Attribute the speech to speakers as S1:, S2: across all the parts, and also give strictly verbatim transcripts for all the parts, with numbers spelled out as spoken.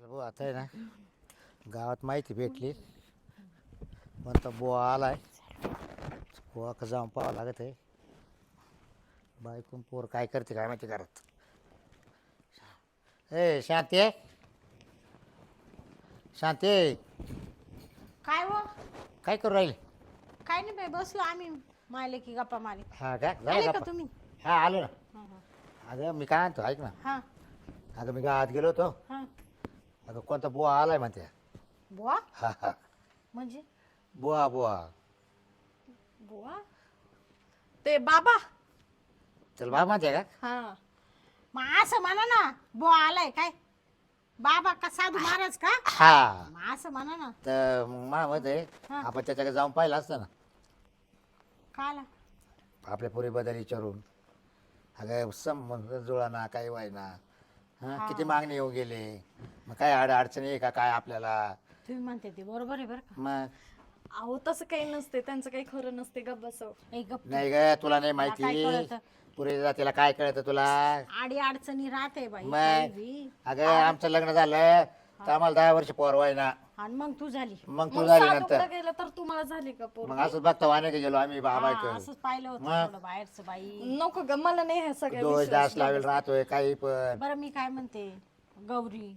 S1: भाऊ आता आहे ना गावात माहिती भेटली म्हणता बुवा आलाय बुवा का जाऊन पाहावं लागत आहे बायकून पोर काय करते काय माहिती घरात. ए शांती आहे शांती
S2: काय हो
S1: काय करू राहील.
S2: काय नाही बाई बसलो आम्ही मायले की गप्पा मारे.
S1: हा का
S2: आले
S1: झालं
S2: का
S1: का
S2: तुम्ही?
S1: हा आलो ना.
S2: हा
S1: अगं मी काय आणतो ऐक ना.
S2: हा
S1: अगं मी गावात गेलो होतो.
S2: हा
S1: अगं कोणता बुवा आलाय म्हणते.
S2: बुवा
S1: हा हा
S2: म्हणजे
S1: बुवा बुवा
S2: बुवा ते बाबा.
S1: चल बाबा म्हणते का.
S2: हा मग असं म्हणा ना बुवा आलाय काय बाबा का साधू महाराज का
S1: हा
S2: मग असं म्हणा ना.
S1: तर मग मा मत आहे
S2: हा.
S1: आपण त्याच्याकडे जाऊन पाहिलं असतं ना
S2: काला
S1: आपल्या पुरी बदल विचारून. अगं संबंध जुळाना काही व्हायना हां
S2: हा.
S1: किती मागणी येऊ गेले मग काय अड अडचणी आहे का काय आपल्याला.
S2: तुम्ही म्हणते ते बरोबर आहे बरं का.
S1: मग
S3: अहो तसं काही नसते त्यांचं काही खरं नसते गप्प बसव.
S2: ए गप्प
S1: नाही ग तुला नाही
S2: मला काय
S1: माहिती
S2: कळतं?
S1: पुरी जातीला काय कळतं तुला.
S2: आडी अडचणी राहते बाई
S1: मग
S2: काही बी.
S1: अगं आमचं लग्न झालं तर आम्हाला दहा वर्ष पोर व्हायना
S2: आणि मग तू झाली
S1: मग तू
S3: मग
S1: झाली
S3: साधूकडे
S1: नंतर
S3: गेलं तर तुम्हाला झाली का पोर?
S1: मग असंच बघता वाने गेलो आम्ही बाबा
S2: हा, असंच पाहिलं होतं
S1: मग?
S2: थोडं बाहेरचं बाई.
S3: नको ग मला नाही ह्या सगळ्या
S1: दोष
S3: विश्वास
S1: दास लावेल राहतोय काही पण.
S2: बरं मी काय म्हणते गौरी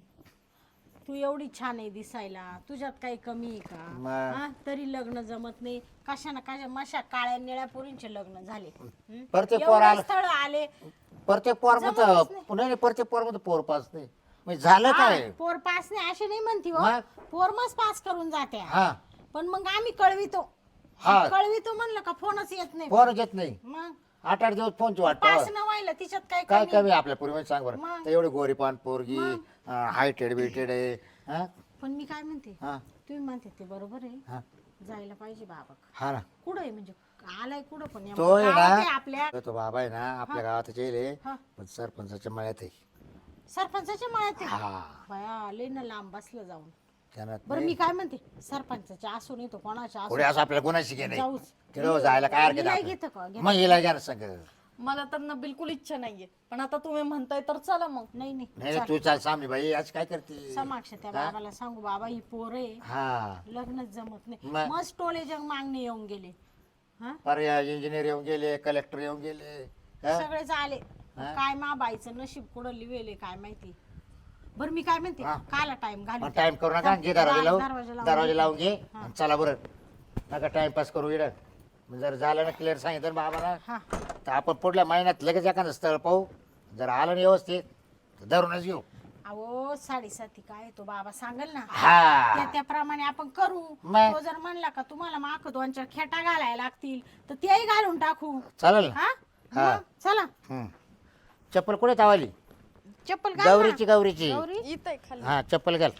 S2: तू एवढी छान आहे दिसायला तुझ्यात काही कमी आहे का
S1: मग?
S2: हा? तरी लग्न जमत नाही कशा ना कशा मशा काळ्या निळ्या पोरींचे लग्न झाले हं?
S1: प्रत्येक
S2: एवढे
S1: पोर आलं
S2: स्थळ आले
S1: प्रत्येक पोर
S2: जमतच
S1: मध्ये
S2: नाही.
S1: पुन्हा प्रत्येक पोर मध्ये पोर पास नाही म्हणजे झालं
S2: हा,
S1: काय.
S2: पोर पास नाही असे नाही म्हणती हो
S1: मग?
S2: पोर मस्त पास करून जाते
S1: हा
S2: पण मग आम्ही कळवितो
S1: हा.
S2: कळवितो म्हणलं का फोनच येत नाही
S1: पोर येत नाही
S2: मग
S1: आठ आठ दिवस फोनची वाट
S2: पास
S1: पाहावं.
S2: न व्हायला तिच्यात काय
S1: काय
S2: कमी
S1: कमी आहे आपल्या पूर्वी सांग बरं
S2: मग?
S1: तर एवढी गोरी पान पोरगी
S2: मग?
S1: हायटेड बिटेड आहे हा
S2: पण मी काय म्हणते
S1: हा
S2: तुम्ही म्हणते ते बरोबर आहे
S1: हा
S2: जायला पाहिजे बाबा
S1: हा ना
S2: कुठं आहे म्हणजे आलाय कुठं पण या
S1: तो आहे
S2: गावात आहे
S1: ना
S2: आपल्या
S1: तो बाबा आहे ना आपल्या गावात येईल
S2: हा.
S1: पण सरपंचाच्या मळ्यात आहे.
S2: सरपंचाच्या मळ्यात आहे.
S1: हा
S2: बया लय ना लांब बसलं जाऊन
S1: त्यानं
S2: बरं मी काय म्हणते सरपंचाच्या असू नाही तो कोणाच्या
S1: पुढे
S2: असू
S1: असं आपल्याला गुन्हाची घे नाही
S2: जाऊच
S1: तिकडं जायला काय हरकत
S2: हिला
S1: आहे
S2: घेतं का?
S1: आपल्याला?
S2: घेतं.
S1: मग हिला घ्या ना सगळं.
S3: मला तर ना बिलकुल इच्छा नाहीये पण आता तुम्ही म्हणताय तर चला मग.
S2: नाही नाही
S1: नाही नाही, तू चाल सामने बाई आज काय करते.
S2: समाक्ष त्या बाबाला सांगू बाबा ही पोर आहे
S1: हा
S2: लग्नच जमत नाही
S1: मग?
S2: मस्त टोले जग मागणे येऊन गेले हा
S1: पर्याय इंजिनियर येऊन गेले कलेक्टर येऊन गेले हा?
S2: सगळेच आले काय मा बाईचं नशीब कुठं लिवेले काय माहिती. बरं मी काय म्हणते
S1: हा.
S2: काला टाइम घालू
S1: मग टाइम करू नका घे दरवाजा लावून
S2: दरवाजा लावून
S1: दरवाजा
S2: घे.
S1: लावून घे आणि चला बरं नका टाइमपास करू इकडं. मग जर झालं ना क्लिअर सांगितलं ना बाबाला
S2: हा
S1: तर आपण पुढल्या महिन्यात लगेच एखादं स्थळ पाहू. जर आलं ना व्यवस्थित तर धरूनच घेऊ.
S2: अहो साडेसाती काय तो बाबा सांगेल ना
S1: हा
S2: त्या त्याप्रमाणे आपण करू.
S1: मग?
S2: तो जर म्हणला का तुम्हाला माक दोन चार खेटा घालायला लागतील तर तेही घालून टाकू.
S1: चालेल ना
S2: हा
S1: हा.
S2: मग चला
S1: हम्म. चप्पल कुठे तावाली
S2: चप्पल घाल ना.
S1: गौरीची गौरीची
S2: गौरी
S3: इथं खाली.
S1: हा चप्पल घाल.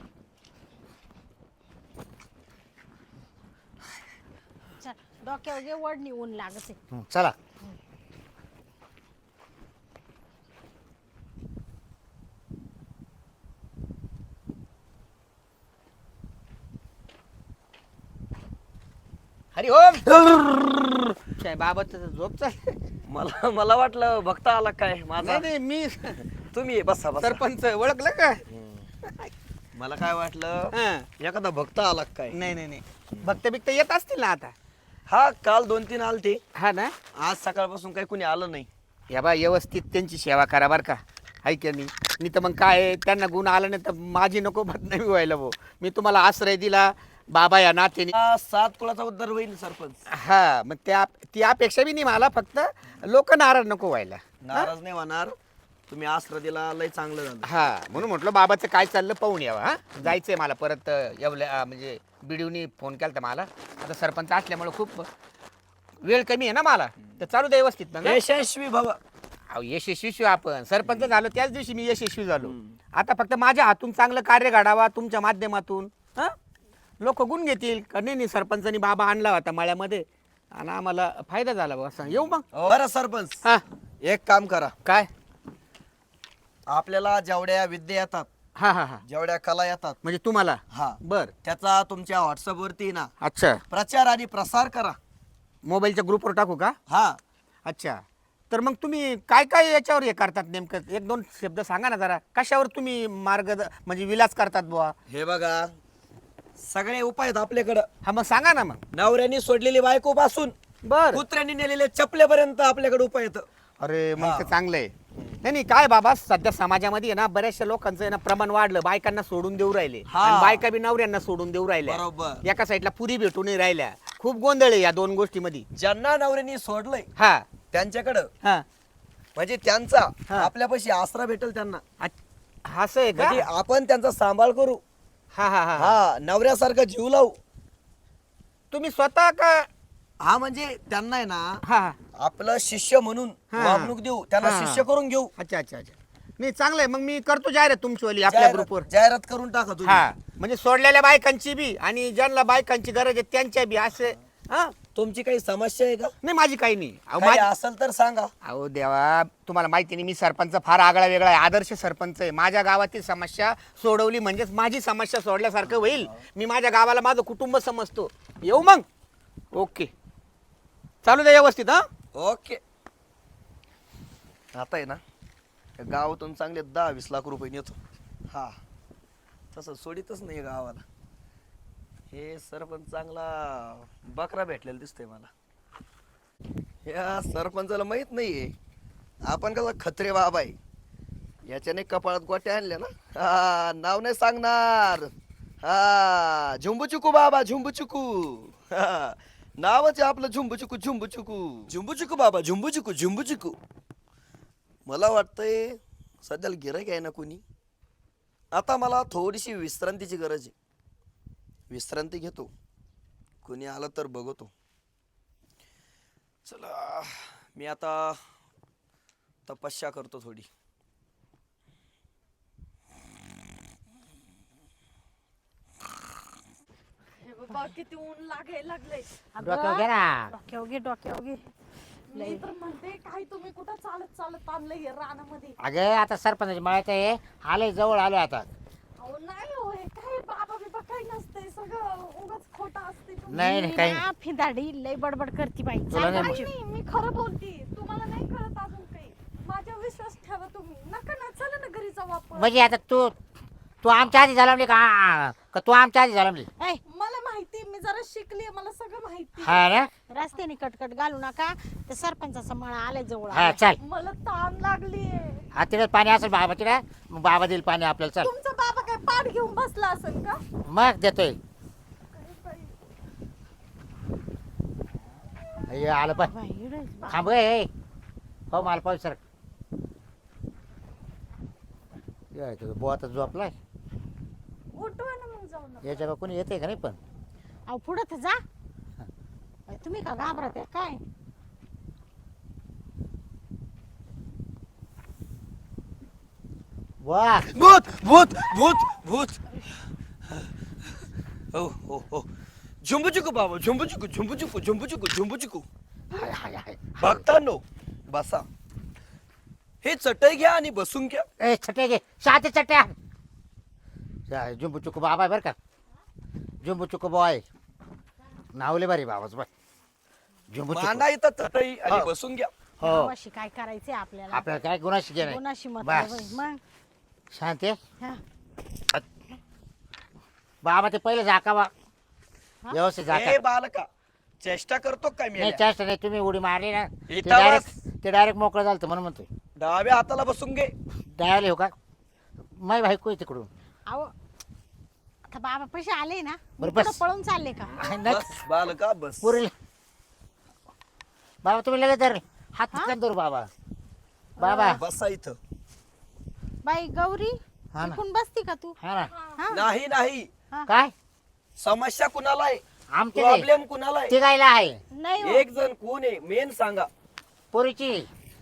S2: चल डोक्यावर घे वडणी ऊन लागत आहे.
S1: हम्म, चला
S4: हरी ओम काय बाबत झोप चाल.
S5: मला मला वाटलं भक्त आला काय माझा.
S4: नाही नाही मी
S5: तुम्ही ये, बसा बसा.
S4: सरपंच ओळखलं का
S5: मला काय वाटलं
S4: हा.
S5: एखादा भक्त आला काय.
S4: नाही नाही नाही भक्त बिक्त येत असतील ना आता.
S5: हा काल दोन तीन आलते
S4: हा ना
S5: आज सकाळपासून काही कुणी आलं नाही.
S4: या बा व्यवस्थित त्यांची सेवा करा बर का हाय की नाही. नाही तर मग काय आहे, त्यांना गुण आला नाही तर माझी नको बदनामी व्हायला भाऊ. मी तुम्हाला आश्रय दिला बाबा या नात्याने.
S5: हा, सात कुळाचा उद्धार होईल सरपंच.
S4: हा मग त्या ती अपेक्षा बी नाही मला फक्त लोक नाराज नको व्हायला.
S5: नाराज नाही होणार. तुम्ही आश्रय दिला लय चांगलं झालं.
S4: हा म्हणून म्हटलं बाबाचं काय चाललं पाहून यावं. हा जायचंय मला परत एवढ्या म्हणजे बिडीवनी फोन केला तर मला आता सरपंच असल्यामुळे खूप वेळ कमी आहे ना मला तर चालू दे व्यवस्थित ना ग.
S5: यशस्वी भव.
S4: अहो यशस्वी आपण सरपंच झालो त्याच दिवशी मी यशस्वी झालो. आता फक्त माझ्या हातून चांगलं कार्य घडावा तुमच्या माध्यमातून. हा लोक गुण घेतील का नाही नाही सरपंचानी बाबा आणला होता माळ्यामध्ये आणि आम्हाला फायदा झाला बा असं येऊ मग.
S5: बरं सरपंच
S4: हा
S5: एक काम करा.
S4: काय
S5: आपल्याला जेवढ्या विद्या येतात
S4: हा हा हा
S5: जेवढ्या कला येतात
S4: म्हणजे तुम्हाला
S5: हा
S4: बर
S5: त्याचा तुमच्या व्हॉट्सअप वरती ना
S4: अच्छा
S5: प्रचार आणि प्रसार करा.
S4: मोबाईलच्या ग्रुपवर टाकू का.
S5: हा
S4: अच्छा तर मग तुम्ही काय काय याच्यावर हे करतात नेमकं एक दोन शब्द सांगा ना जरा कशावर तुम्ही मार्ग म्हणजे विलास करतात बुवा
S5: हे बघा सगळे उपाय आहेत आपल्याकडं.
S4: हा मग सांगा ना मग
S5: नवऱ्याने सोडलेली बायको पासून
S4: बर
S5: कुत्र्यांनी नेलेले चपलेपर्यंत आपल्याकडे उपाय येतं.
S4: अरे मग ते चांगलं आहे नाही नाही काय बाबा सध्या समाजामध्ये आहे ना बऱ्याचशा लोकांचं आहे ना प्रमाण वाढलं बायकांना सोडून देऊ राहिले
S5: हा.
S4: आणि बायका बी नवऱ्यांना सोडून देऊ राहिल्या
S5: बरोबर.
S4: एका साईडला पुरी भेटून नाही राहिल्या खूप गोंधळ आहे या दोन गोष्टीमध्ये
S5: ज्यांना नवऱ्याने सोडलंय
S4: हा
S5: त्यांच्याकडं
S4: हा
S5: म्हणजे त्यांचा
S4: हा.
S5: आपल्यापाशी आसरा भेटेल त्यांना.
S4: अ- असं आहे का
S5: म्हणजे आपण त्यांचा सांभाळ करू.
S4: हा हा हा
S5: हा नवऱ्यासारखा जीव लावू.
S4: तुम्ही स्वतः का
S5: हा म्हणजे त्यांना आहे ना
S4: हा हा.
S5: आपलं शिष्य म्हणून
S4: हा.
S5: वागणूक देऊ त्यांना
S4: हा.
S5: शिष्य करून घेऊ.
S4: अच्छा अच्छा अच्छा नाही चांगलं आहे मग मी करतो जाहिरात तुमचीवाली आपल्या
S5: जाहिरात
S4: ग्रुपवर
S5: जाहिरात करून टाका तुम्ही.
S4: हा म्हणजे सोडलेल्या बायकांची बी आणि ज्यांना बायकांची गरज आहे त्यांच्या बी असे हा
S5: तुमची काही समस्या आहे का?
S4: नाही माझी काही नाही अहो,
S5: काही
S4: माझी-
S5: असेल तर सांगा.
S4: अहो देवा तुम्हाला माहिती नाही मी सरपंच फार आगळा वेगळा आहे आदर्श सरपंच आहे माझ्या गावातील समस्या सोडवली म्हणजेच माझी समस्या सोडल्यासारखं होईल मी माझ्या गावाला माझं कुटुंब समजतो येऊ मग ओके चालू द्या व्यवस्थित हा
S5: ओके. आता आहे ना या गावातून चांगले दहा वीस लाख रुपये नेतो. हा तसं सोडितच नाही गावाला. हे सरपंच चांगला बकरा भेटलेला दिसतोय मला. या सरपंचाला माहित नाहीये आपण कसा खत्रे बाबा आहे. याच्याने कपाळात गोट्या आणल्या ना हा नाव नाही सांगणार. हा झुंबुचुकू बाबा झुंबुचुकू. हा नावच आहे आपलं झुंबुचुकू झुंबुचुकू झुंबुचुकू बाबा झुंबुचुकू झुंबुचुकू. मला वाटतंय सध्याला गिराईक आहे ना कोणी. आता मला थोडीशी विश्रांतीची गरज आहे. विश्रांती घेतो कोणी आलं तर बघतो. चला मी आता तपस्या करतो थोडी.
S3: हे बाबा किती ऊन लागायला लागलंय.
S1: डोक्यावर घे ना
S2: डोक्यावर घे डोक्यावर घे
S3: मी तर म्हणते काय तुम्ही कुठं चालत चालत आणलंय हे रानामध्ये.
S1: अगं आता सरपंचाची मळ्यात आहे आले जवळ आलो आता.
S3: अहो नाही हो हे काय बाबा बिबा काही नसतंय सगळं उगाच खोटं असते.
S1: नाही नाही काही
S2: ना, फिदाडी लय बडबड करती बाई
S1: तुला
S2: चाल
S1: नाही
S2: बाई.
S3: नाही मी खरं बोलते तुम्हाला नाही कळत अजून काही. माझ्यावर विश्वास ठेवा तुम्ही. नका ना चला ना घरी जाऊ आपण.
S1: म्हणजे आता तू तू आमच्या आधी झाला का का तू आमच्या आधी झाला
S2: ऐ,
S3: मला माहिती मी जरा शिकली मला सगळं माहिती.
S1: हा ना
S2: रस्त्याने कटकट घालू नका ते सरपंचाचा मळा आलाय जवळ
S1: हा चल
S3: मला ताण लागली.
S1: हा तिथे पाणी असेल बाबा तिथे मग बाबा देईल पाणी आपल्याला चल
S3: तुमचा बाबा काय पाठ घेऊन बसला असेल का?
S1: मग देतोय हे आलं पण
S2: बाई, इकडे बा-
S1: थांब ए हो मला पाहू सर बुवा आता झोपलाय
S3: उठवा ना मग जाऊ ना.
S1: याच्या का कोणी येते का नाही पण
S2: अहो पुढं तर जा बाई, तुम्ही का घाबरत आहे काय
S1: वा
S5: भूत भूत भूत भूत. हो हो हो झुंबुचुकू बाबा झुंबुचुकू झुंबुचुकू झुंबुचुकू झुंबुचुकू.
S1: हाय हाय हाय
S5: भक्तांनो बसा. हे चटई घ्या आणि बसून घ्या.
S1: ए छटे घे साते चट्या जुंबू चुकू बाबा आहे बरं का जुंबू चुकू बॉय नावले बरे बाबाच बाय जुंबू
S5: मांडा इथं चटई आणि
S1: हो.
S5: बसून घ्या.
S1: हो
S2: गावाशी काय करायचंय आपल्याला
S1: आपल्याला काय गुन्हाशी घे
S2: कोणाशी मत
S1: बस.
S2: आहे बाई, मग
S1: शांत आहे
S2: हा.
S1: बाबा ते पहिले झाकावा व्यवस्थित झाका
S5: ए बालका चेष्टा करतो काय मी
S1: नाही चेष्टा नाही तुम्ही उडी मारली ना ते
S5: इथं
S1: डायरेक्ट ते डायरेक्ट मोकळं झालं होतं म्हणून म्हणतोय
S5: डाव्या हाताला बसून घे.
S1: डायरेक्ट हो का माय भाई कोय तिकडून
S2: अहो आता बाबा पैसे आले ना
S1: बरं,
S2: पुढं
S1: बस.
S2: पळून चालले का
S1: नाही
S5: बस बालका बस.
S1: पुरेल बाबा तुम्ही लगेच धर हात तिकडे धरू बाबा बाबा
S5: बसा इथं.
S2: बाई गौरी
S1: हा ना.
S2: इकडून बसती का तू
S1: हा ना
S2: हा
S5: नाही नाही
S1: काय
S5: समस्या कुणाला आहे
S1: आमच्या नाही.
S5: प्रॉब्लेम कुणाला आहे
S1: ती गायला आहे
S2: नाही हो.
S5: एक जण कोण आहे मेन सांगा.
S1: पोरीची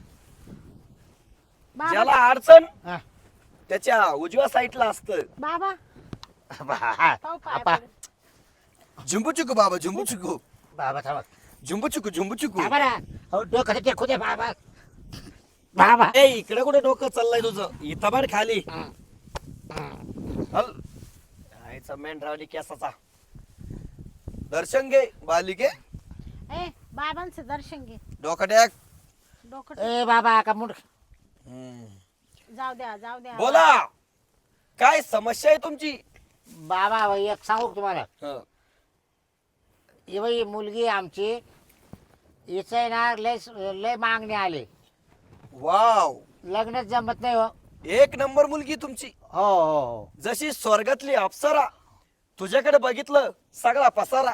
S2: बाबा
S5: ज्याला अडचण
S1: हा.
S5: त्याच्या उजव्या साईडला असतं.
S2: बाबा
S1: बा-
S2: पाहू पाया
S1: आपा.
S2: पडून.
S5: झुंबुचुकू बाबा झुंबुचुकू
S1: बाबा थांबा
S5: झुंबुचुकू झुंबुचुकू.
S1: बाबा ना हो डोकं टेकू दे बाबा बाबा
S5: ए इकडे कुठे डोकं चाललंय तुझं इथं बाहेर खाली हल आईचा मेन रावली केसाचा. दर्शन घे बालिके
S2: ए बाबांचं दर्शन घे
S5: डोकं टॅक
S2: डोकं
S1: ए बाबा का मुंड
S2: जाऊ द्या जाऊ द्या
S5: बोला काय समस्या आहे तुमची?
S1: बाबा बाई, एक सांगू का तुम्हाला
S5: हं.
S1: ही बाई मुलगी आमची हिचं आहे ना लय लय मागणे आले
S5: वाव
S1: लग्नच जमत नाही हो
S5: एक नंबर मुलगी तुमची,
S1: हो हो हो
S5: जशी स्वर्गातली अप्सरा. तुझ्याकडे बघितलं सगळा पसारा.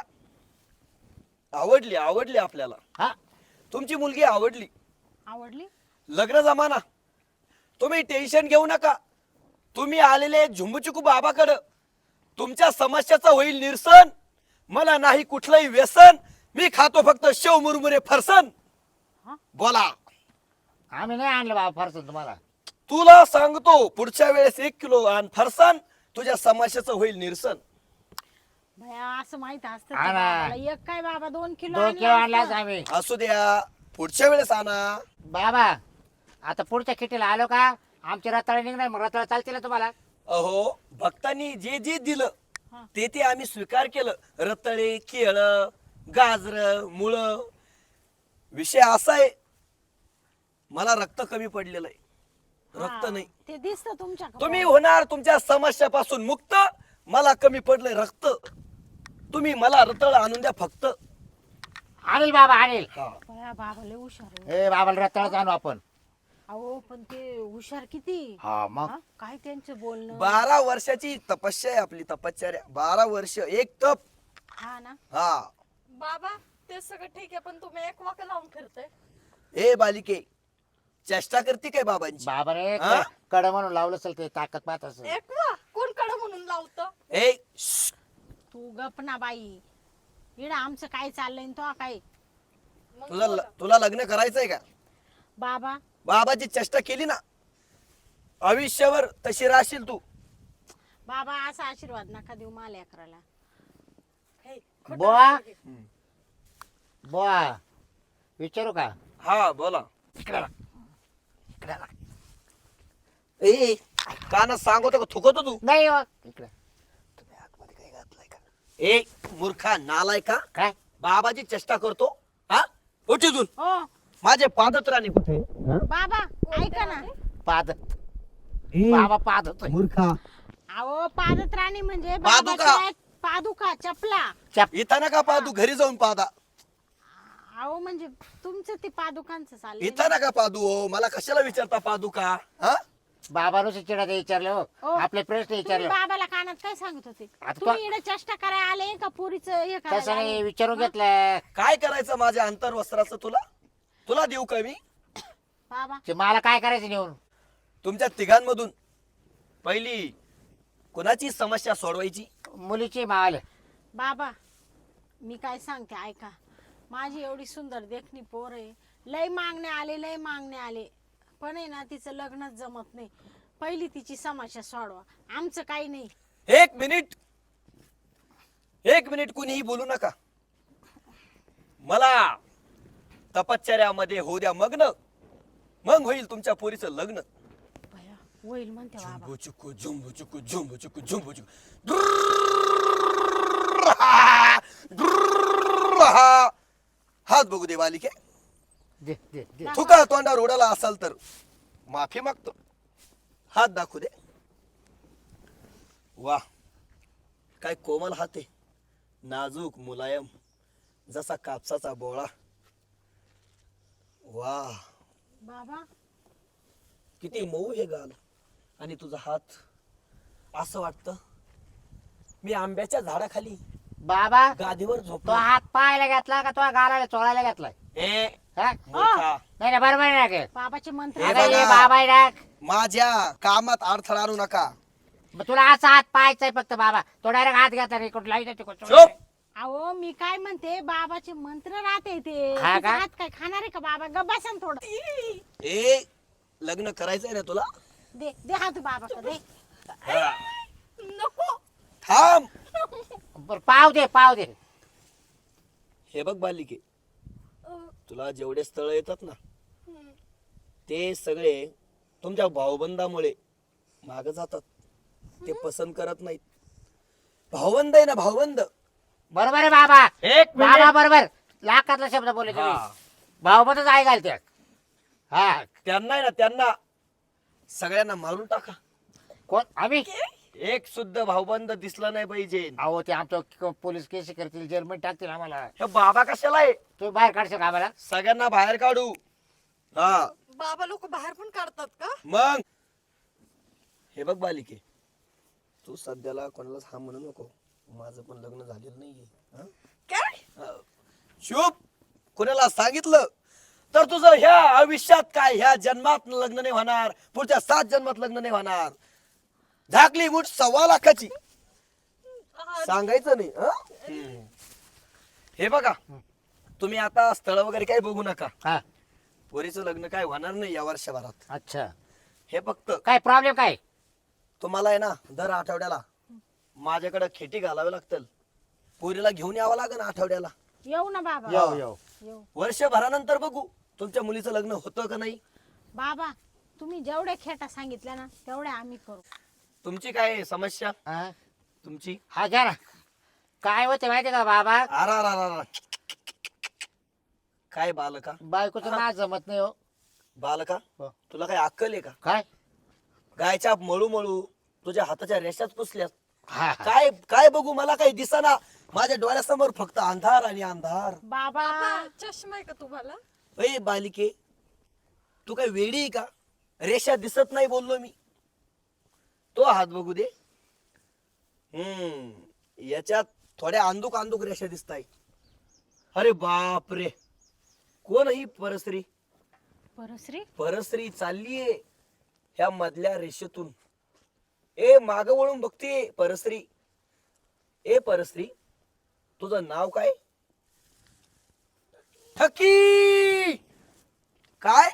S5: आवडली आवडली आपल्याला,
S1: हा
S5: तुमची मुलगी आवडली.
S2: आवडली
S5: लग्न जमाना, तुम्ही टेन्शन घेऊ नका. तुम्ही आलेले झुंबुचुकू बाबाकडं, तुमच्या समस्याचं होईल निरसन. मला नाही कुठलंही व्यसन, मी खातो फक्त शेव मुरमुरे फरसन.
S2: हा?
S5: बोला.
S1: आम्ही नाही आणलं बाबा फरसन तुम्हाला.
S5: तुला सांगतो पुढच्या वेळेस एक किलो आण फरसान, तुझ्या समस्याचं होईल निरसन.
S2: भया असं माहित असतं
S1: हा
S2: त्या
S1: ना.
S2: बाबाला. एक काय बाबा दोन किलो
S1: दोन
S2: आणलं
S1: किलो आणलाच
S2: असतं.
S1: आम्ही.
S5: असू द्या, पुढच्या वेळेस आणा.
S1: बाबा आता पुढच्या खिटीला आलो का आमची रताळे निघणार, मग रताळ चालते ना तुम्हाला.
S5: अहो भक्तांनी जे जे दिलं
S2: हा.
S5: ते ते आम्ही स्वीकार केलं. रताळे, केळ, गाजर, मुळ. विषय असा आहे, मला रक्त कमी पडलेलं आहे. रक्त
S2: हा,
S5: नाही.
S2: ते दिसत तुमच्या
S5: तुम्ही होणार तुमच्या समस्यापासून मुक्त. मला कमी पडलंय रक्त. तुम्ही मला रताळ आणून द्या फक्त.
S1: आणील बाबा आणील.
S5: हा.
S2: भया बाबा लय हुशार आहे.
S1: ए बाबाला रताळच आणू आपण.
S2: अहो पण ते हुशार किती
S1: हा मग
S2: हा? काय त्यांचं बोलणं
S5: बारा वर्षाची तपस्या आहे आपली, तपश्चर्या. बारा वर्ष एक तप.
S2: हा ना
S5: हा.
S3: बाबा ते सगळं ठीक आहे, पण तुम्ही एक वाक लावून फिरताय.
S5: ए बालिके, चेष्टा करते काय बाबांची?
S1: बाबाने
S5: हा?
S1: कड म्हणून लावलं असेल ते ताकद पाहत असेल.
S3: एक वा कोण कडं म्हणून लावतं?
S5: ए श्श्श.
S2: तू गप ना बाई. इडा आमचं काय चाललंय न तो काय
S3: मग
S5: तुला
S3: बोला.
S5: तुला लग्न करायचंय का?
S2: बाबा
S5: बाबाची चेष्टा केली ना, आयुष्यावर तशी राहशील तू.
S2: बाबा असा आशीर्वाद नका देऊ मला अकराला.
S3: हे, खोटं
S1: बुवा
S3: नका बोलू.
S1: बुवा विचारू का?
S5: हा बोला.
S1: इकडे बघ. इकडे बघ.
S5: ए काना सांगतो का थुकतो तू?
S1: नाही हो. इकडे
S5: तुम्ही आतमध्ये काय घातलंय का? ए मूर्खा नालाय का?
S1: काय
S5: बाबाची चेष्टा करतो. हा उठ इथून.
S2: हो
S5: माझे पादत राणी कुठे?
S2: बाबा ऐका ना.
S1: पादत
S5: ए,
S1: बाबा पादत
S5: मूर्खा.
S2: अहो पादत राणी म्हणजे
S5: पादुका.
S2: बाबाच्या पादुका चपला.
S1: चप
S5: इथं नका पादू, घरी जाऊन पादा.
S2: अहो म्हणजे तुमचं ते पादुकांचं चाललंय.
S5: इथं नका पादू. हो मला कशाला विचारता पादू का? हा
S1: बाबानं चिडा विचारलं हो.
S2: हो.
S1: आपले प्रश्न
S2: तुम्ही
S1: विचारले
S2: बाबाला कानात काय सांगत होते?
S1: आता
S2: तुम्ही इकडे चेष्टा करायला आले का पुरीचं हे
S1: तसं
S2: करायला
S1: नाही
S2: आले?
S1: विचारून घेतलं.
S5: काय करायचं माझ्या अंतर्वस्त्राचं तुला? तुला देऊ का मी?
S2: बाबा
S1: ते मला काय करायचं नेऊन?
S5: तुमच्या तिघांमधून पहिली कोणाची समस्या सोडवायची?
S1: मुलीची माल
S2: बाबा मी काय सांगते ऐका. माझी एवढी सुंदर देखणी पोर आहे. लय मागणे आले लय मागणे आले पण आहे ना तिचं लग्नच जमत नाही. पहिली तिची समस्या सोडवा. आमचं काही नाही.
S5: एक मिनिट एक मिनिट कुणीही बोलू नका. मला तपश्चर्यामध्ये होऊ द्या मग्न, मग होईल तुमच्या पोरीचं लग्न.
S2: भया होईल म्हणते बाबा.
S5: झुंबू चुकू झुंबू चुकू झुंबू चुकू झुंबू चुकू. हात बघू दे बालिके.
S1: दे दे दे
S5: थुका तोंडावर उडाला असाल तर माफी मागतो. हात दाखवू दे. वा काय कोमल हात आहे, नाजूक मुलायम जसा कापसाचा बोळा. वा
S2: बाबा
S5: किती मऊ हे गाल. आणि तुझा हात असं वाटतं मी आंब्याच्या झाडाखाली
S1: बाबा
S5: गादीवर
S1: तो
S5: झोपलो.
S1: हात पाहायला घेतला का तो गालाला चोळायला घेतलाय?
S5: ए
S1: हा?
S5: मूर्खा.
S1: नाही नाही बरोबर आहे ना के?
S2: बाबाचे मंत्र
S5: हे
S1: अगं, हे
S5: बघा.
S1: बाबा आहे ना.
S5: माझ्या कामात अडथळा आणू नका.
S1: मग तुला असा हात पाहायचाय फक्त बाबा. तो डायरेक्ट हात घेता रे कुठं लाईट
S5: चुप.
S2: अहो मी काय म्हणते बाबाचे मंत्र राहते ते.
S1: हा
S2: तिचा
S1: का?
S2: हात काय खाणार आहे का बाबा? गबासन थोडं
S5: ए लग्न करायचंय ना तुला?
S2: दे दे हात बाबा दे.
S3: नको.
S5: थांब.
S1: बरं पाव दे पाव दे.
S5: हे बघ बालिके,
S3: अं,
S5: तुला जेवढे स्थळ येतात ना
S3: हम्म.
S5: ते सगळे तुमच्या भाऊबंदामुळे माग जातात. ते पसंत करत नाहीत. भाऊबंद आहे ना भाऊबंद.
S1: बरोबर आहे बाबा.
S5: एक
S1: बाबा बरोबर लाखातला शब्द बोलले तुम्ही.
S5: हा.
S1: भाऊबतच आहे घालते. हा
S5: त्यांना आहे ना त्यांना सगळ्यांना मारून टाका.
S1: कोण आम्ही
S5: एक सुद्धा भाऊबंद दिसला नाही पाहिजे.
S1: अहो ते आमच्या पोलीस केस करतील जेलमध्ये टाकतील आम्हाला.
S5: हे बाबा कशाला आहे?
S1: तुम्ही बाहेर काढशाल का आम्हाला?
S5: सगळ्यांना बाहेर काढू. हा
S3: बाबा लोक बाहेर पण काढतात का?
S5: मग हे बघ बालिके, तू सध्याला कोणालाच हा म्हणू नको. माझं पण लग्न झालेलं नाहीये. हं?
S3: काय?
S5: हा. शुभ कोणाला सांगितलं तर तुझं ह्या आयुष्यात काय ह्या जन्मात लग्न नाही होणार, पुढच्या सात जन्मात लग्न नाही होणार. झाकली मूठ सव्वा लाखाची, सांगायचं नाही. हं? हे बघा, तुम्ही आता स्थळ वगैरे काही बघू नका.
S1: हा
S5: पोरीचं लग्न काय होणार नाही या वर्षभरात.
S1: अच्छा
S5: हे फक्त
S1: काय प्रॉब्लेम काय?
S5: तुम्हाला आहे ना दर आठवड्याला माझ्याकडे खेटी घालावे लागतील. पोरीला घेऊन यावं लागेल आठवड्याला.
S2: येऊ ना बाबा
S1: येऊ येऊ
S2: येऊ.
S5: वर्षभरानंतर बघू तुमच्या मुलीचं लग्न होतं का नाही.
S2: बाबा तुम्ही जेवढ्या खेटा सांगितल्या ना तेवढ्या आम्ही करू.
S5: तुमची काय समस्या?
S1: हा
S5: तुमची
S1: हा घ्या ना. काय होते माहिती का बाबा?
S5: आरा रा रा रा. काय बालका?
S1: बायकोचं ना जमत नाही हो.
S5: बालका
S1: हो.
S5: तुला काय अक्कल आहे का?
S1: काय
S5: गायच्या मळू मळू तुझ्या हाताच्या रेषाच पुसल्यात.
S1: हा हा.
S5: काय काय बघू, मला काही दिसना. माझ्या डोळ्यासमोर फक्त अंधार आणि अंधार.
S2: बाबा
S3: बाबा चष्मा आहे का तुम्हाला?
S5: अय बालिके, तू काय वेडी आहे का? रेषा दिसत नाही बोललो मी. तो हात बघू दे. हम्म याच्यात थोड्या अंदुक अंदुक रेषा दिसताय. अरे बाप रे, कोण ही परस्त्री?
S2: परश्री
S5: परस्त्री चाललीये ह्या मधल्या रेषेतून. ए माग वळून बघते परस्त्री. ए परस्त्री, तुझं नाव काय? ठकी. काय?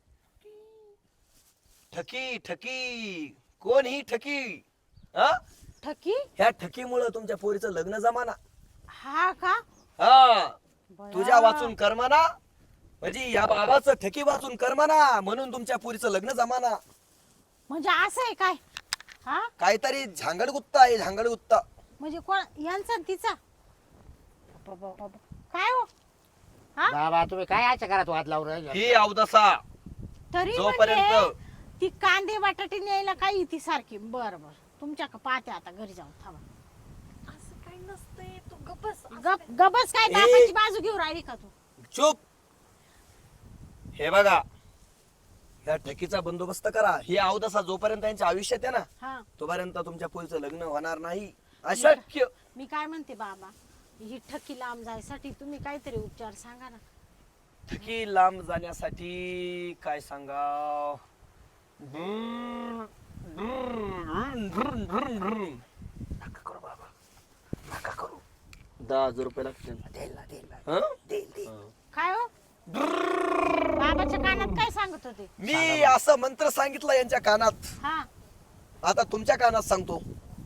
S5: ठकी ठकी. कोण ही ठकी? हा
S2: ठकी
S5: ह्या ठकीमुळं तुमच्या पोरीचं लग्न जमाना.
S2: हा का?
S5: हा
S2: बया.
S5: तुझ्या वाचून कर्माना, म्हणजे या बाबाचं ठकी वाचून कर्माना, म्हणून तुमच्या पोरीचं लग्न जमाना.
S2: म्हणजे असं आहे काय? हा
S5: काहीतरी झांगड गुत्ता आहे, झांगड गुत्ता.
S2: म्हणजे कोण यांचा आणि तिचा? बाबा, बाबा. काय हो हा
S1: बाबा तुम्ही काय याच्या घरात वाद लावून राहिले?
S5: ही अवदसा
S2: तरी
S5: जोपर्यंत-
S2: म्हणजे ती कांदे बटाटे न्यायला काय ती सारखी. बर बर तुमच्या का पाहते आता घरी जाऊन. थांबा.
S3: असं काही नसतंय, तू गप्प बस.
S2: गप गबस काय
S5: ए.
S2: बापाची बाजू घेऊन राहिली का तू?
S5: चुप. हे बघा, ह्या ठकीचा बंदोबस्त करा. ही अवदसा जोपर्यंत त्यांच्या आयुष्यात आहे ना,
S2: हा
S5: तोपर्यंत तुमच्या पोरीचं लग्न होणार नाही. अशक्य.
S2: मी काय म्हणते बाबा, ही ठकी लांब जायसाठी तुम्ही काहीतरी उपचार सांगा ना.
S5: ठकी लांब जाण्यासाठी काय सांगा? नका करू बाबा, नका करू. दहा हजार रुपये लागतील.
S1: देईल ना, देईल ना.
S5: हं?
S1: देईल, देईल.
S2: काय हो बाबाच्या कानात काय सांगत होते?
S5: मी असं मंत्र सांगितलं यांच्या कानात.
S2: हा
S5: आता तुमच्या कानात सांगतो.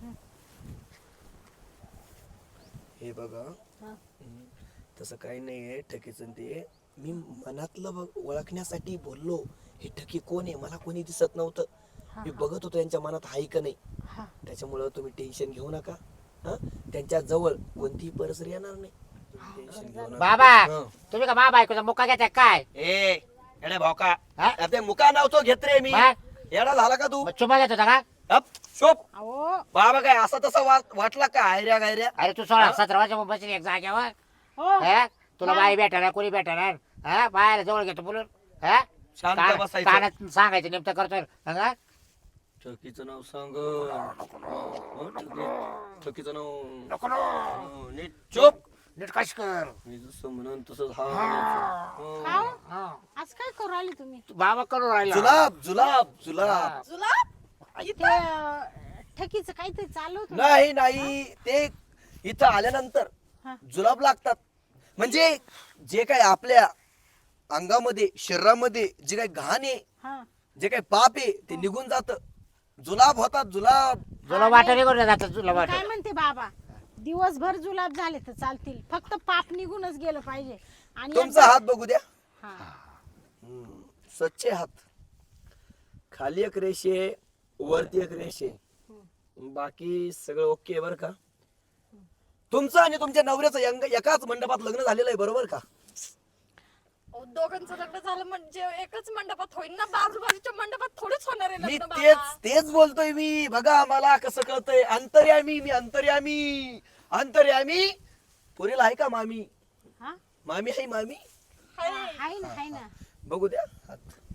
S5: हे बघा,
S2: हा.
S5: हम्म, तसं काही नाहीये ठकीचं ते. मी मनातलं बघ ओळखण्यासाठी बोललो. हे ठकी कोण आहे मला कोणी दिसत नव्हतं.
S2: हा,
S5: मी बघत होतो यांच्या मनात हाय का नाही.
S2: हा.
S5: त्याच्यामुळं तुम्ही टेन्शन घेऊ नका. हं? त्यांच्या जवळ कोणतीही परसरी येणार नाही. टेन्शन घेऊ नका.
S1: बाबा
S5: हं.
S1: तुम्ही का मा बायकोचा मुका घ्यायचा काय?
S5: ए येडे भावका,
S1: हा?
S5: ते मुका नव्हतो घेत रे मी.
S1: मग?
S5: येडा झाला का तू?
S1: मग चुमा घेत होता का?
S5: अप, शोप.
S2: अहो
S5: बाबा काय असा तसा वा- वाटला का आयऱ्या गायऱ्या?
S1: अरे तू सोळा सतरा वर्ष बसली एक जाग्यावर.
S2: हो
S1: हा? तुला
S2: हा.
S1: बाई भेटणार कोणी भेटणार? हा बाहेर जवळ घेतो बोलून. हा?
S5: शांत
S1: कान-
S5: बसायचं.
S1: कानात सांगायचं नेमकं करतोय. हा?
S5: ठकीचं नाव सांग. हं, ठकी- ठकीचं नाव हं, नीट चुप.
S1: नीट कश कर.
S5: मी जसं म्हणून तसंच हा म्हणायचं.
S2: का हो?
S1: हा.
S2: आज काय करू राहिले तुम्ही?
S1: तू बाबा करून राहिला.
S5: जुलाब जुलाब जुलाब.
S3: जुलाब?
S2: ते अं, ठकीचं काहीतरी चालू होतं.
S5: नाही नाही, ते इथं आल्यानंतर
S2: हा.
S5: जुलाब लागतात. म्हणजे जे काही आपल्या अंगामध्ये शरीरामध्ये जे काही घाण आहे,
S2: हा
S5: जे काही पाप आहे ते निघून जात. जुलाब होतात जुलाब.
S1: तुला वाटत निघून जातात तुला
S2: मी
S1: वाटत.
S2: काय म्हणते बाबा, दिवसभर जुलाब झाले तर चालतील, फक्त पाप निघूनच गेलं पाहिजे. आणि
S5: तुमचा
S2: एकदा-
S5: हात बघू द्या.
S2: हा.
S5: हम्म, स्वच्छ हात. खाली एक रेषे, वरती एक रेषे, बाकी सगळं ओके बर का? तुमचं आणि तुमच्या नवऱ्याचं यंग- एकाच मंडपात लग्न झालेलं आहे बरोबर का?
S3: अहो, दोघांचं लग्न झालं म्हणजे एकच मंडपात होईल ना, बाजूबाजूच्या मंडपात थोडीच होणार आहे
S5: मी
S3: लग्न
S5: तेच
S3: बाबा.
S5: तेच बोलतोय मी. बघा मला कसं कळतंय. अंतर्यामी मी अंतर्यामी अंतर्यामी. पुरीला आहे का मामी?
S2: हा
S5: मामी आहे मामी?
S3: हाय.
S2: हाय ना हाय ना.
S5: बघू द्या हात.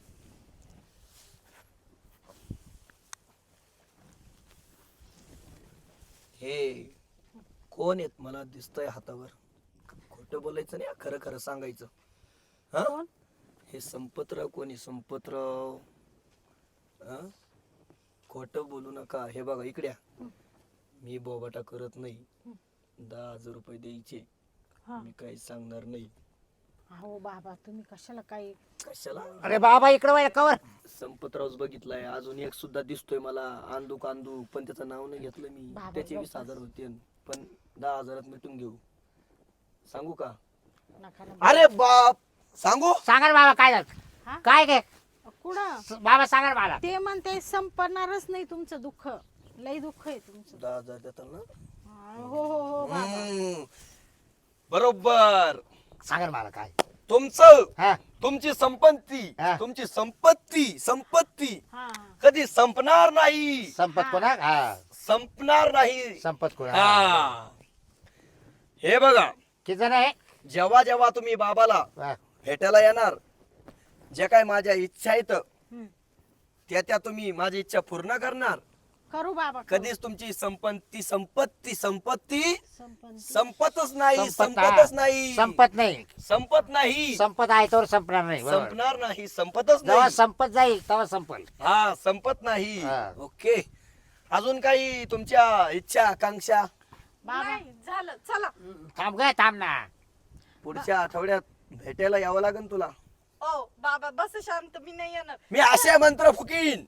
S5: हे कोण आहेत मला दिसतंय हातावर. खोटं बोलायचं नाही, खरं खरं सांगायचं. हा?
S2: कोण?
S5: हे संपतराव कोणी? संपतराव. हा? खोटं बोलू नका. हे बघा इकड्या, मी बोबाटा करत नाही. दहा हजार रुपये द्यायचे.
S2: हा.
S5: मी काही सांगणार नाही.
S2: अहो बाबा तुम्ही कशाला काही
S5: कशाला?
S1: अरे बाबा इकडं वळ कवर.
S5: संपतरावच बघितलाय. अजून एक सुद्धा दिसतोय मला, आंदूक आंदूक, पण त्याचं नाव नाही घेतलं मी.
S2: बाबा,
S5: त्याचे वीस
S2: बाबा.
S5: हजार होते, पण दहा हजारात मिटून घेऊ. सांगू का?
S2: नका ना.
S5: अरे बाप, सांगू?
S1: सांगा ना बाबा काय
S2: हा?
S1: झालं काय काय
S2: कुठं
S1: बाबा सांगा ना मला.
S2: ते म्हणते संपणारच नाही तुमचं दुःख. लई दुःख आहे तुमचं.
S5: दहा हजार देतात ना?
S2: हो हो हो बाबा.
S5: हम्म. बरोबर.
S1: सांगा ना मला काय.
S5: तुमचं
S1: हा
S5: तुमची संपत्ती
S1: हा.
S5: तुमची संपत्ती संपत्ती
S2: हा हा.
S5: कधी संपणार नाही.
S1: संपत कोणा हा
S5: संपणार नाही.
S1: संपत कोणा
S5: हा. हे बघा,
S1: किती जण आहे
S5: जेव्हा जेव्हा तुम्ही बाबाला
S1: हा.
S5: भेटायला येणार, जे काय माझ्या इच्छा आहेत
S2: हम्म.
S5: त्या त्या तुम्ही माझी इच्छा पूर्ण करणार.
S2: करू बाबा करू.
S5: कधीच तुमची संपत्ती संपत्ती संपत्ती
S2: संपन
S5: संपतच नाही.
S1: संपत
S5: संपतच नाही.
S1: संपत नाही
S5: संपत नाही.
S1: संपत आहे तर संपणार नाही बरोबर.
S5: संपणार नाही. संपतच
S1: जेव्हा
S5: नाही.
S1: संपत जाईल तेव्हा संपल.
S5: हा, संपत नाही.
S1: हा.
S5: ओके. अजून काही तुमच्या इच्छा आकांक्षा?
S2: बाबा
S3: नाही झालं, चला.
S1: थांब ग थांब ना.
S5: पुढच्या आठवड्यात भेटायला यावं लागेल तुला.
S3: ओ बाबा बस शांत, मी नाही येणार.
S5: मी असे मंत्र फुकीन.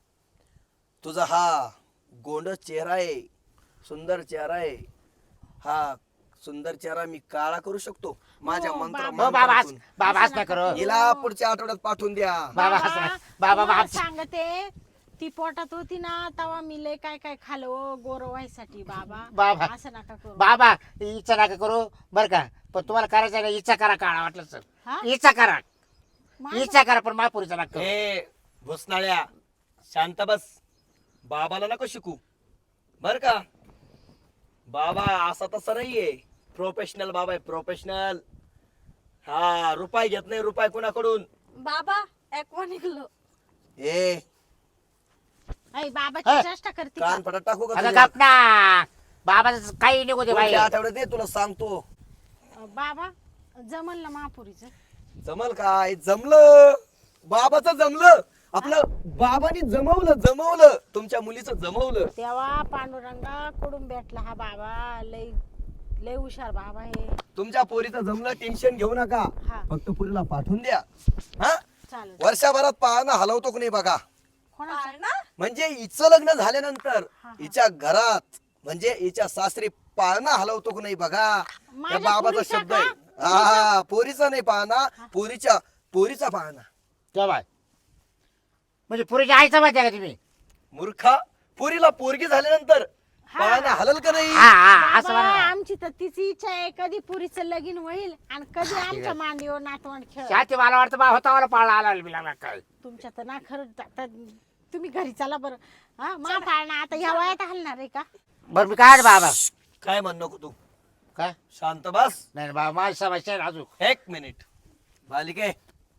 S5: तुझा हा गोंड चेहरा आहे, सुंदर चेहरा आहे. हा सुंदर चेहरा मी काळा करू शकतो माझ्या
S2: हो,
S5: मंत्र
S2: बाबा.
S1: हो बाबा
S5: मंत्रातून.
S1: हस- बाबा हस ना करो.
S5: हिला पुढच्या आठवड्यात पाठवून द्या.
S1: बाबा हस ना. बाबा
S2: तुम्हाला
S1: बाबा
S2: सांगते ती पोटात होती ना तेव्हा मी लय काय काय खालो गोर व्हायसाठी बाबा.
S1: बाबा.
S2: असं नका करू.
S1: बाबा इच्छा नका करू बर का, पण तुम्हाला करायचं नाही इच्छा करा काळा वाटलं सर.
S2: हा?
S1: इच्छा करा
S2: माझं-
S1: इच्छा करा पण महापुरीचा लागतो.
S5: हे भुसनाळ्या, शांत बस. बाबाला नको शिकू बर का. बाबा असा तसा नाहीये. प्रोफेशनल बाबा आहे, प्रोफेशनल. हा, रुपये घेत नाही, रुपये कोणाकडून.
S3: बाबा ऍक्वा निघलो.
S5: ए
S2: ऐ, बाबाची
S1: हा.
S2: चेष्टा करते का?
S5: कान पडत टाकू का
S1: अगं
S5: तुझ्या?
S1: गप ना. बाबाचं काही निघू दे बाई.
S5: पुढच्या आठवड्यात ये, तुला सांगतो.
S2: अ, बाबा जमल ना महापुरीचं?
S5: जमल काय? जमलं. बाबाचं जमलं. आपलं बाबानी जमवलं जमवलं तुमच्या मुलीचं जमवलं.
S2: तेव्हा पांडुरंगा कडून भेटला हा बाबा. लय लय हुशार बाबा आहे.
S5: तुमच्या पोरीचं जमलं, टेन्शन घेऊ नका.
S2: हा.
S5: फक्त पोरीला पाठवून द्या. हा,
S2: चालेल.
S5: वर्षभरात पाहणं हलवतो की नाही बघा.
S2: कोणाचं?
S3: ना
S5: म्हणजे हिचं लग्न झाल्यानंतर
S2: हा.
S5: हिच्या घरात म्हणजे हिच्या सासरी पाळणा हलवतो की नाही बघा. त्या
S2: माझ्या
S5: बाबाचा
S2: पोरीचा
S5: शब्द आहे.
S2: का?
S5: हा, पोरीचा नाही पाळणा, पोरीच्या पोरीचा पाळणा.
S1: तेव्हा म्हणजे पुरीच्या आईचा माहिती आहे का तुम्ही?
S5: मूर्खा, पोरीला पोरगी झाल्यानंतर पाळणा हलल का नाही?
S1: हा हा असं
S2: बाबा,
S1: म्हणा.
S2: आमची तर तिची इच्छा आहे कधी पुरीचं लगीन होईल आणि कधी आमच्या मांडीवर नातवंड खेळ.
S1: शाती मला वाटतं बा होता मला पाळणा आला बिला काय.
S2: तुमच्या तर ना खरं आता तुम्ही घरी चला बरं. हा मा पाळणा आता ह्या वयात हलणार आहे का?
S1: बरं मी काय बाबा
S5: काय म्हण नको तू.
S1: काय
S5: शांत बस.
S1: नाही बाबा माझी समस्या आहे अजून.
S5: एक मिनिट बालिके,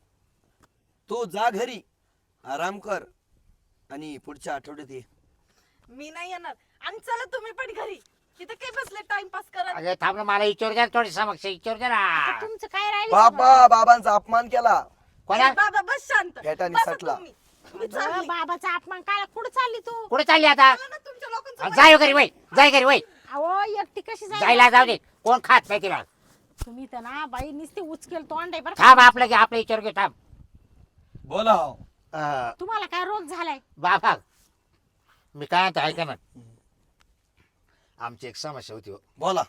S5: तू जा घरी आराम कर आणि पुढच्या आठवड्यात ये.
S3: मी नाही येणार. आणि चला तुम्ही पण घरी. तिथे काय बसले टाइमपास करत.
S1: अगं थांब ना मला विचार द्या थोडी समक्ष विचार द्या
S2: आता
S1: ना.
S2: तुमचं काय राहिलं?
S5: बाबा बाबांचा अपमान केला.
S1: कोणा
S3: बाबा बस शांत.
S5: भेटाने
S3: बसा
S5: सटला.
S3: तुम्ही. मी
S2: अगं,
S3: चालली.
S2: बाबाचा अपमान काय कुठं चालली तू?
S1: कुठे चालली आता?
S3: चला ना, तुमच्या लोकांचं
S1: जाय घरी वय जाय घरी वय
S2: अहो एकटी कशी जाईल?
S1: जायला जाऊ दे कोण खात नाही तिला.
S2: तुम्ही तर ना बाई नुसते उचकेल तोंड आहे बरं.
S1: थांब आपलं घे आपलं विचार घे थांब.
S5: बोला.
S1: अं,
S2: तुम्हाला काय रोग झालाय?
S1: बाबा मी काय म्हणतो ऐका ना. आमची एक समस्या होती हो.
S5: बोला.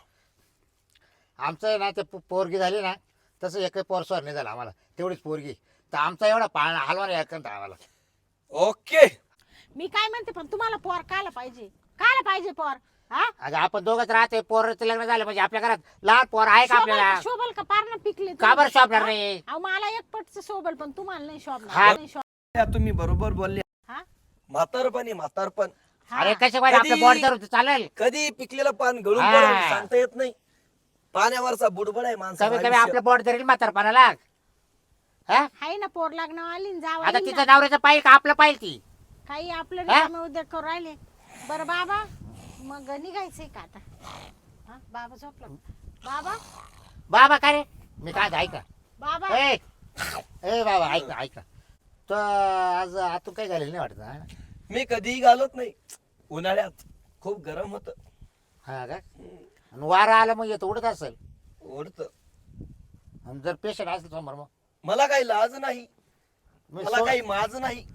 S1: आमचं आहे ना ते पो- पोरगी झाली ना तसं एक पोर स्वर नाही झाला आम्हाला तेवढीच पोरगी तर आमचा एवढा पाळणा हलवा नाही ऐकत आम्हाला.
S5: ओके.
S2: मी काय म्हणते पण तुम्हाला पोर कायला पाहिजे? कायला पाहिजे पोर? हा
S1: अगं आपण दोघंच राहते पोराचं लग्न झालं म्हणजे आपल्या घरात लहान पोर आहे का
S2: शोभल
S1: आपल्याला
S2: शोभल का पार ना पिकले
S1: का बरं शोभणार
S2: हा?
S1: नाही
S2: अहो मला एक पटचं शोभल पण तुम्हाला नाही
S1: हा.
S2: शोभणार नाही शोभ
S5: या तुम्ही बरोबर बोलले
S2: हा
S5: म्हातारपण आहे म्हातारपण
S2: हा.
S1: अरे कसे पाहिजे आपलं
S5: कधी-
S1: बोट धरून चालेल
S5: कधी पिकलेलं पान गळून
S1: हा.
S5: पडेल सांगता येत नाही पाण्यावरचा बुडबड आहे
S1: कमी
S5: माणसाचं
S1: कमी
S5: आयुष्य.
S1: आपलं बोट धरेल म्हातारपणाला हा
S2: हाय ना पोर लग्न आली ना जावं
S1: आता
S2: आली
S1: तिचं
S2: ना.
S1: नवऱ्याचं पाहिजे का आपलं पाहिजे ती
S2: काही आपलं
S1: हा?
S2: रिकामे उद्योग करू राहिले बरं बाबा मग निघायचंय का आता हा बाबा झोपला बाबा
S1: बाबा काय रे मी काय ते ऐका
S2: बाबा
S1: ए ए बाबा ऐका ऐका तो आज आतून काही घालेल नाही वाटत हा?
S5: मी कधीही घालत नाही उन्हाळ्यात खूप गरम होत
S1: हा का आणि वारा आला मग येतो उडत असेल
S5: ओढत
S1: आणि जर पेशंट असेल समोर मग
S5: मला काही लाज नाही
S1: मी
S5: मला
S1: सो-
S5: काही माज नाही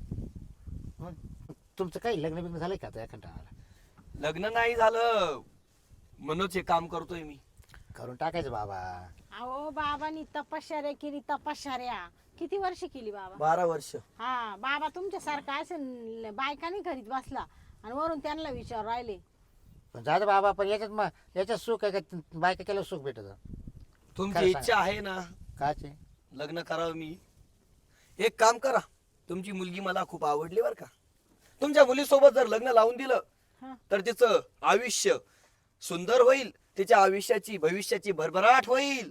S1: मग तुमचं काही लग्न बिग्न झालंय का त्या कंटाळा
S5: लग्न नाही झालं म्हणूनच हे काम करतोय मी
S1: करून टाकायचं बाबा
S2: अहो बाबांनी तपश्चर्या केली तपश्चर्या किती वर्ष केली बाबा
S5: बारा वर्ष
S2: हा बाबा तुमच्यासारखा असेल बायकाने घरीत बसला आणि वरून त्यांना विचार राहिले
S1: पण जाऊ दे बाबा पण याच्यात मग याच्यात सुख आहे का बायका केलं सुख भेटत
S5: तुमची
S1: खरं
S5: इच्छा आहे ना
S1: काचे
S5: लग्न करावं मी एक काम करा तुमची मुलगी मला खूप आवडली बर का तुमच्या मुलीसोबत जर लग्न लावून दिलं
S2: हा.
S5: तर तिचं आयुष्य सुंदर होईल तिच्या आयुष्याची भविष्याची भरभराट होईल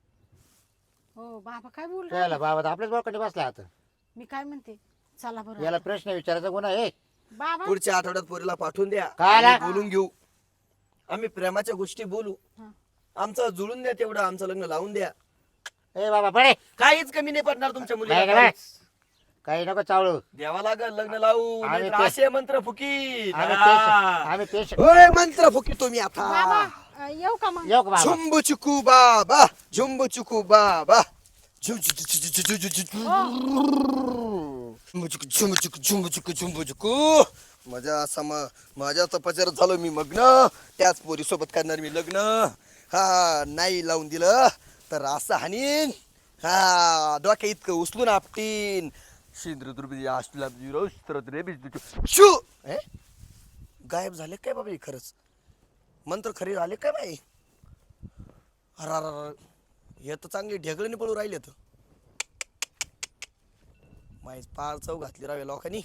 S2: हो बाबा काय बोल
S1: त्याला बाबा तर आपल्याच बोकडे बसला आता
S2: मी काय म्हणते चला बरं
S1: याला प्रश्न विचारायचा गुन्हा आहे
S2: बाबा
S5: पुढच्या आठवड्यात पोरीला पाठवून द्या
S1: काय आला?
S5: आम्ही बोलून घेऊ आम्ही प्रेमाच्या गोष्टी बोलू
S2: हा.
S5: आमचं जुळून द्या तेवढं आमचं लग्न लावून द्या
S1: ए बाबा बडे
S5: काहीच कमी नाही पडणार तुमच्या
S1: नाही
S5: मुलीला
S1: का?
S5: काहीच.
S1: काही नको चावळू
S5: द्यावा लागल लग्न लावू
S1: आम्ही
S5: नाहीतर
S1: ते-
S5: असे मंत्र फुकी
S1: आम्ही पेशंट आम्ही पेशंट
S5: ओय मंत्र फुकी तुम्ही
S2: बाबा
S5: आता
S2: अं, येऊ का मग
S1: येऊ का बाबा
S5: झुंबू चुकू बाबा झुंबू चुकू बाबा झुम झुम झुम झुम झुम झुम झुम. झुंबू चुकू झुंबू चुकू झुंबू चुकू झुंबू चुकू माझ्या सम माझ्या तपचार झालो मी मग्न त्याच पोरी सोबत करणार मी लग्न हा नाही लावून दिलं तर असं हानीन हा डोक्या इतकं उचलून आपटीन शिंद्र दुर्बी आष्टला शू ए? गायब झाले काय बाबा हे खरंच मंत्र खरे झाले काय बाई अर हे तर चांगली ढेगळीने पळू राहिले तर माहीत पार चव घातली रावे लोकांनी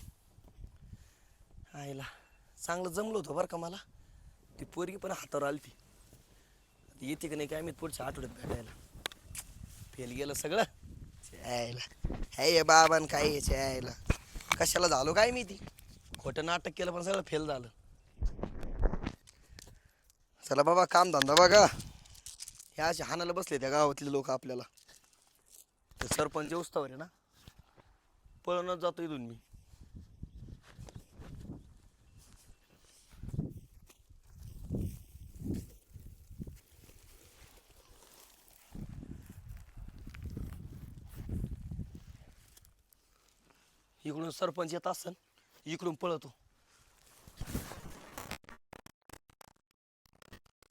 S5: आईला चांगलं जमलं होतं बरं का मला ती पोरगी पण हातावर आली ती येते का नाही काय मी पुढच्या आठवड्यात भेटायला फेल गेलं सगळं यायला हे बाबान काय यायला कशाला झालो काय मी ती खोटं नाटक केलं पण सगळं फेल झालं चला बाबा काम धंदा बघा ह्या असे हाणाला बसले त्या गावातले लोक आपल्याला ते सरपंच उस्तावर आहे ना पळूनच जातो इथून मी इकडून सरपंच येत असन इकडून पळतो